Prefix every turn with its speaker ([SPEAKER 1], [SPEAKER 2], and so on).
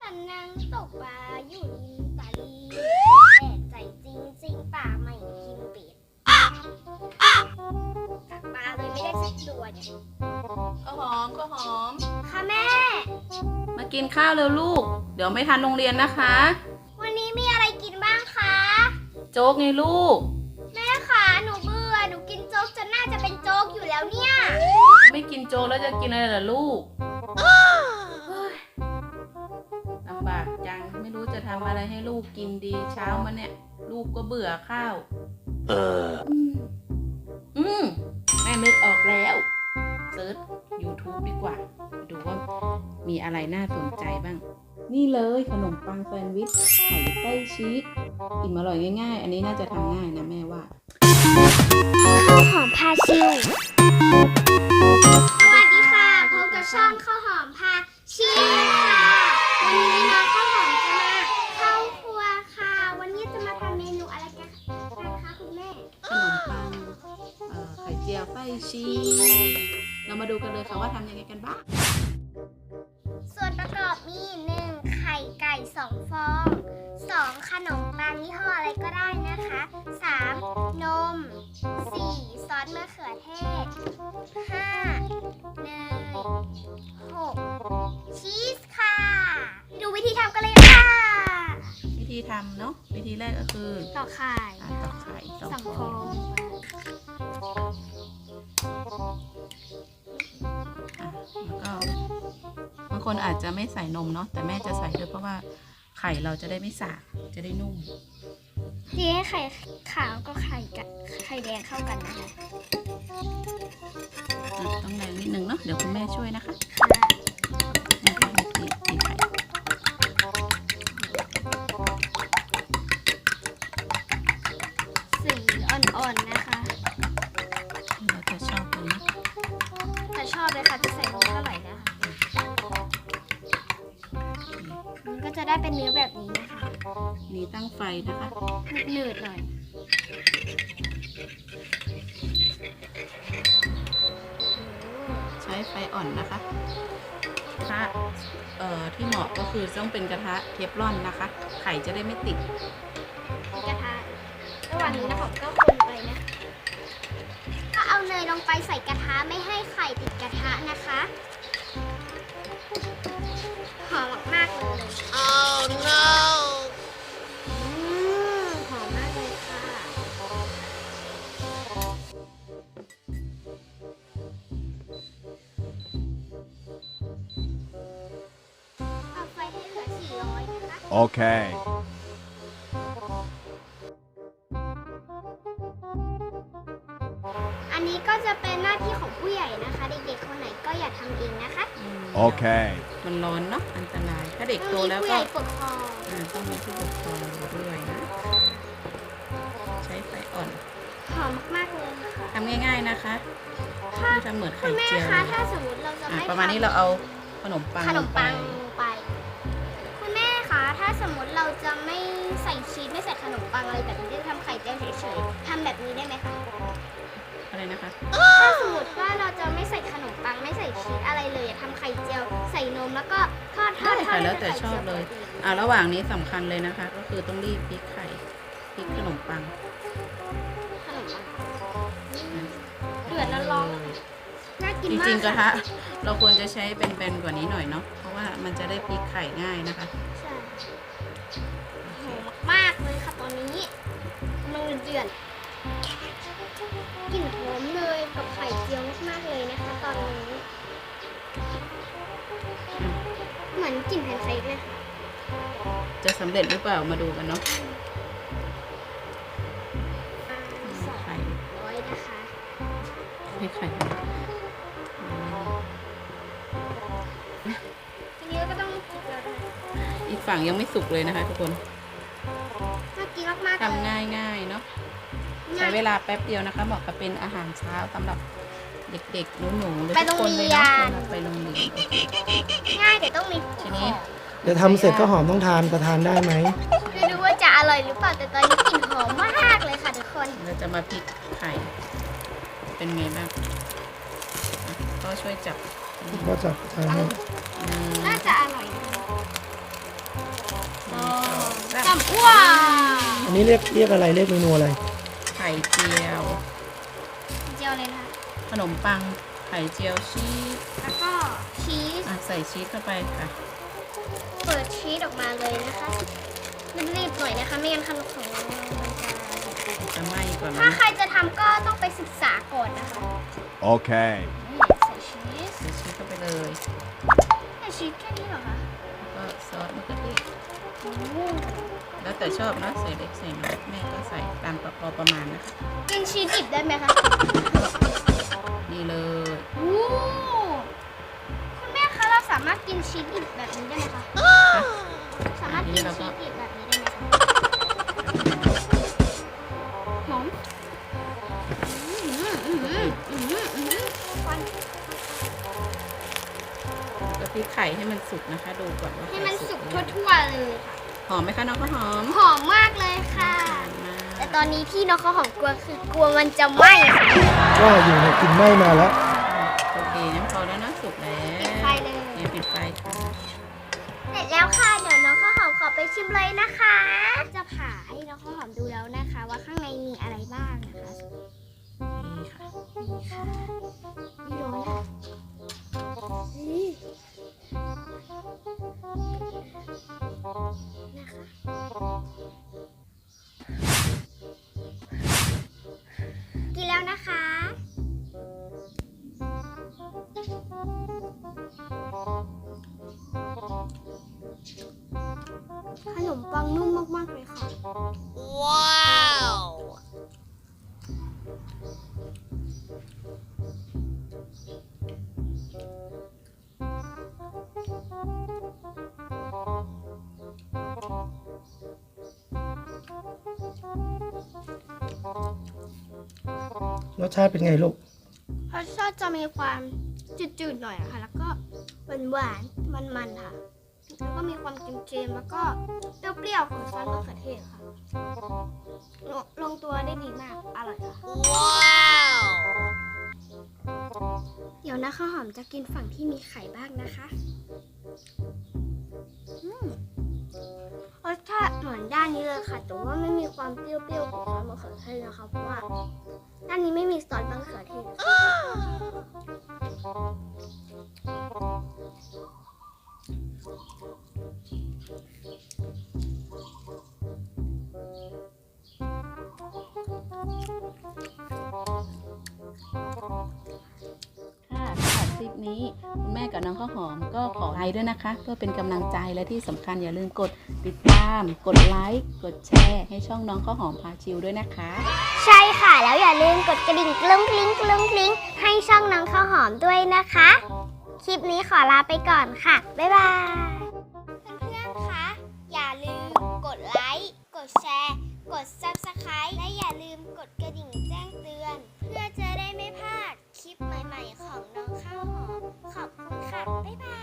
[SPEAKER 1] ฉันนั่งตกปลาอยู่ริมตลิ่งแต่ใจจริงๆป่าไม่กินเป็ดตักปลาเลยไม่ได้สักตัวเนี่ย
[SPEAKER 2] ข้าวหอมข้าวหอม
[SPEAKER 1] ค่ะแม่
[SPEAKER 2] มากินข้าวเร็วลูก เดี๋ยวไม่ทันโรงเรียนนะคะ
[SPEAKER 1] วันนี้มีอะไรกินบ้างคะ
[SPEAKER 2] โจ๊กไงลูก
[SPEAKER 1] แม่คะหนูเบื่อหนูกินโจ๊กจนน่าจะเป็นโจ๊กอยู่แล้วเนี่ย
[SPEAKER 2] ไม่กินโจ๊กแล้วจะกินอะไรล่ะลูกเฮ้ยลำบากจังไม่รู้จะทำอะไรให้ลูกกินดีเช้ามาเนี่ย ลูกก็เบื่อข้าวแม่นึกออกแล้วเซิร์ช YouTube ดีกว่าดูว่ามีอะไรน่าสนใจบ้าง นี่เลยขนมปังแซนด์วิชไข่ไส้ชีสอิ่มอร่อยง่ายๆ อันนี้น่าจะทำง่ายนะแม่ว่า
[SPEAKER 1] ข้าวหอมพาชิวสวัสดีค่ะพบกับช่องข้าวหอมพาชิวค่ะวันนี้น้องข้าวหอมจะมาเข้าครัวค่ะ วันนี้จะมาทำเมนูอะไรกันคะคุณแม่
[SPEAKER 2] ขนมปังไข่เจียวไส้ชีสเรามาดูกันเลยค่ะว่าทำยังไงกันบ้าง
[SPEAKER 1] ส่วนประกอบมี 1. ไข่ไก่2 ฟอง 2. ขนมปังยี่ห้ออะไรก็ได้นะคะ 3. นม 4. ซอสมะเขือเทศ 5. เนย 6. ชีสค่ะ ดูวิธีทำกันเลยค่ะ
[SPEAKER 2] วิธีทำเนาะวิธีแรกก็คือ
[SPEAKER 1] ต่อไข่
[SPEAKER 2] ตอกไข่สอง
[SPEAKER 1] 2
[SPEAKER 2] ฟ
[SPEAKER 1] ฟ
[SPEAKER 2] อ
[SPEAKER 1] อง ง
[SPEAKER 2] แล้วก็บางคนอาจจะไม่ใส่นมเนาะแต่แม่จะใส่ด้วยเพราะว่าไข่เราจะได้ไม่สาบจะได้นุ่ม
[SPEAKER 1] ตีให้ไข่ขาวก็ไข่แดงเข้ากันนะคะ
[SPEAKER 2] ต้องแรงนิดนึงเนาะเดี๋ยวคุณแม่ช่วยนะคะ
[SPEAKER 1] ค่ะ
[SPEAKER 2] แม่ก็ตีไข่
[SPEAKER 1] สีอ่อนๆนะคะ
[SPEAKER 2] เราจะชอบเลยนะ
[SPEAKER 1] แต่ชอบเลยค่ะจะใส่นมเท่าไหร่นะคะมันก็จะได้เป็นเนื้อแบบนี้นะคะ
[SPEAKER 2] นี่ตั้งไฟนะคะ
[SPEAKER 1] หนืดๆหน่อย
[SPEAKER 2] ใช้ไฟอ่อนนะคะกระทะที่เหมาะก็คือต้องเป็นกระทะเทฟลอนนะคะ ไข่จะได้ไม่ติด
[SPEAKER 1] มีกระทะระหว่างนี้นะคะก็คนไปนะ ก็เอาเนยลงไปใส่กระทะไม่ให้ไข่ติดกระทะนะคะหอมมากๆเลย Oh no หอมมากเลยค่ะเอาไฟให้เหลือ400นะคะ
[SPEAKER 3] Okay.
[SPEAKER 1] อันนี้ก็จะเป็นหน้าที่ของผู้ใหญ่นะคะ เด็กๆคนไหนก็อย่าทำเองนะคะ
[SPEAKER 3] Okay.
[SPEAKER 2] มันร้อนเนาะอันตราย ถ้าเด็กโตแล้ว
[SPEAKER 1] ผู้ให
[SPEAKER 2] ก็
[SPEAKER 1] ญ่ปกครอง
[SPEAKER 2] ต้องมีผู้ปกครองด้วยนะ ใช้ไฟอ่อน
[SPEAKER 1] หอมมากๆเลยค่ะ
[SPEAKER 2] ทำง่ายๆนะคะที่ทำเหมือน
[SPEAKER 1] คุ
[SPEAKER 2] ไข่
[SPEAKER 1] ณแม่
[SPEAKER 2] เจียว
[SPEAKER 1] คะถ้าสมมติเราจะไม่
[SPEAKER 2] ประมาณนี้เราเอาขนมปัง
[SPEAKER 1] ขนมปัง
[SPEAKER 2] ล
[SPEAKER 1] ลงไป คุณแม่คะถ้าสมมติเราจะไม่ใส่ชีสไม่ใส่ขนมปังอะไรแบบนี้จะทำไข่เจียวเฉยๆทำแบบนี้ได้ไหมคะ
[SPEAKER 2] อะไรนะคะ
[SPEAKER 1] ถ้าสมมติว่าเราจะไม่ใส่ขนมปังไม่ใส่ชีสอะไรเลยทำไข่เจียวใส่นมแล้วก็ทอด
[SPEAKER 2] ได้ค่ะแล้วแต่
[SPEAKER 1] ให้
[SPEAKER 2] ชอบเลย
[SPEAKER 1] ไข่จีว
[SPEAKER 2] ระหว่างนี้สำคัญเลยนะคะ ก็คือต้องรีบพลิกไข่พลิกขนมปัง
[SPEAKER 1] ขนมปังเดือดแล้วร้อนน่ากิน
[SPEAKER 2] จ
[SPEAKER 1] มาก
[SPEAKER 2] ริงๆกระทะเราควรจะใช้เป็นแบนๆกว่านี้หน่อยเนาะเพราะว่ามันจะได้พลิกไข่ง่ายนะคะ
[SPEAKER 1] ใช่หอมมากเลยค่ะตอนนี้กำลังเดือดกลิ่นหอมเลยกับไข่เจียวมากๆเลยนะคะ ตอนนี้เหมือนกลิ่นแพนเค้กเลยค่ะ
[SPEAKER 2] จะสำเร็จหรือเปล่ามาดูกันเนาะ
[SPEAKER 1] 200
[SPEAKER 2] ไข่
[SPEAKER 1] นะคะ
[SPEAKER 2] ให้ไข่
[SPEAKER 1] ทีนี้ก็ต้องคลุกแล้วด้วย
[SPEAKER 2] อีกฝั่งยังไม่สุกเลยนะคะ ทุกคน
[SPEAKER 1] น่ากินมากๆเลย
[SPEAKER 2] ทำง่ายๆเนาะใช้เวลาแป๊บเดียวนะคะเหมาะกับเป็นอาหารเช้าสำหรับเด็กๆหนูๆหรือทุกคนเลยเนาะไปโรงเรียน
[SPEAKER 1] ง่ายแต่ต้องมี
[SPEAKER 2] ทีนี้
[SPEAKER 4] เดี๋ยวทำเสร็จก็หอมต้องทานจะทานได้ไหม
[SPEAKER 1] ไม่รู้ว่าจะอร่อยหรือเปล่าแต่ตอนนี้กลิ่นหอมมากเลยค่ะทุกคน
[SPEAKER 2] เราจะมาพลิกไข่เป็นไงบ้างก็ช่วยจับ
[SPEAKER 4] ก็จะทานให้
[SPEAKER 1] น่าจะอร่อยนะว้าว
[SPEAKER 4] อันนี้เรียกอะไรเรียกเมนูอะไร
[SPEAKER 2] ไข่เจียว
[SPEAKER 1] เจียวเลยนะคะ
[SPEAKER 2] ขนมปังไข่เจียวชีส
[SPEAKER 1] แล้วก็ชีส
[SPEAKER 2] ใส่ชีสเข้าไปค่ะ
[SPEAKER 1] เปิดชีสออกมาเลยนะคะรีบๆหน่อยนะคะไม่งั้นขนมของเรามันจะ
[SPEAKER 2] จะไหม้ก่อน
[SPEAKER 1] ถ้า
[SPEAKER 2] นะ
[SPEAKER 1] ใครจะทำก็ต้องไปศึกษาก่อนนะคะ
[SPEAKER 3] Okay.
[SPEAKER 1] นี่ใส่ชีส
[SPEAKER 2] ใส่ชีสเข้าไปเลย
[SPEAKER 1] ใส่ชีสแค่นี้เหรอคะ
[SPEAKER 2] แล้วก็ซอสมะเขือเทศ
[SPEAKER 1] โอ้
[SPEAKER 2] แล้วแต่ชอบนะใส่เล็กใส่น้อยแม่ก็ใส่ตามพอประมาณนะคะ
[SPEAKER 1] กินชีสดิบได้ไหมคะ
[SPEAKER 2] นี่เลย
[SPEAKER 1] โอ้คุณแม่คะเราสามารถกินชีสดิบแบบนี้ได้ไหมคะ
[SPEAKER 2] ค่ะ
[SPEAKER 1] สามารถกินชีสดิบแบบนี้ได้ไหมคะหอมควัน
[SPEAKER 2] ก็พริกไข่ให้มันสุกนะคะ ดูก่อนว่า
[SPEAKER 1] ให้มันสุก
[SPEAKER 2] หรือยัง
[SPEAKER 1] ทั่วๆเลยค่ะ
[SPEAKER 2] หอมไหมคะน้องก็หอม
[SPEAKER 1] หอมมากเลยค่ะ
[SPEAKER 2] หอมมาก
[SPEAKER 1] แต่ตอนนี้ที่น้องเขาวหอมกลัวคือกลัวมันจะไหม้ค่ะ
[SPEAKER 4] ว่าอยู่ในกลิ่นไหม้มาแล้ว
[SPEAKER 2] โอเคงั้นพอแล้วนะสุกแล้ว
[SPEAKER 1] ปิดไฟเลย
[SPEAKER 2] เนี่ยปิดไฟค่ะ
[SPEAKER 1] เสร็จแล้วค่ะ เดี๋ยวน้องข้าวหอมขอไปชิมเลยนะคะ จะผ่าให้น้องข้าวหอมดูแล้วนะคะ ว่าข้างในมีอะไรบ้างนะคะ
[SPEAKER 2] นี่ค่ะ
[SPEAKER 1] นี่ค่ะไม่ร้อนค่ะนี่นะคะกินแล้วนะคะ ขนมปังนุ่มมาก ๆ เลยค่ะ ว้าว
[SPEAKER 4] รสชาติเป็นไงลูก
[SPEAKER 1] รสชาติจะมีความจืดๆหน่อยอะค่ะ แล้วก็หวานๆมันๆค่ะ แล้วก็มีความเค็มๆแล้วก็เปรี้ยวๆของซอสมะเขือเทศค่ะ ลงตัวได้ดีมาก อร่อยค่ะ ว้าว เดี๋ยวนะข้าวหอมจะกินฝั่งที่มีไข่บ้างนะคะรสชาติเหมือนด้านนี้เลยค่ะ แต่ว่าไม่มีความเปรี้ยวๆของซอสมะเขือเทศนะคะ เพราะว่าด้านนี้ไม่มีซอสมะเขือเทศค่ะ
[SPEAKER 2] ค่ะสำหรับคลิปนี้คุณแม่กับน้องข้าวหอมก็ขอไลค์ด้วยนะคะ เพื่อเป็นกำลังใจและที่สำคัญอย่าลืมกดติดตาม กดไลค์กดแชร์ให้ช่องน้องข้าวหอมพาชิลด้วยนะคะ
[SPEAKER 1] ใช่ค่ะ แล้วอย่าลืมกดกระดิ่งกลุ้งกลิ้งกลุ้งกลิ้งให้ช่องน้องข้าวหอมด้วยนะคะ คลิปนี้ขอลาไปก่อนค่ะ บ๊ายบาย เพื่อนๆ คะ อย่าลืมกดไลค์ กดแชร์ กด Subscribe และอย่าลืมกดกระดิ่งแจ้งเตือน เพื่อจะได้ไม่พลาดคลิปใหม่ๆของน้องข้าวหอม ขอบคุณค่ะ บ๊ายบาย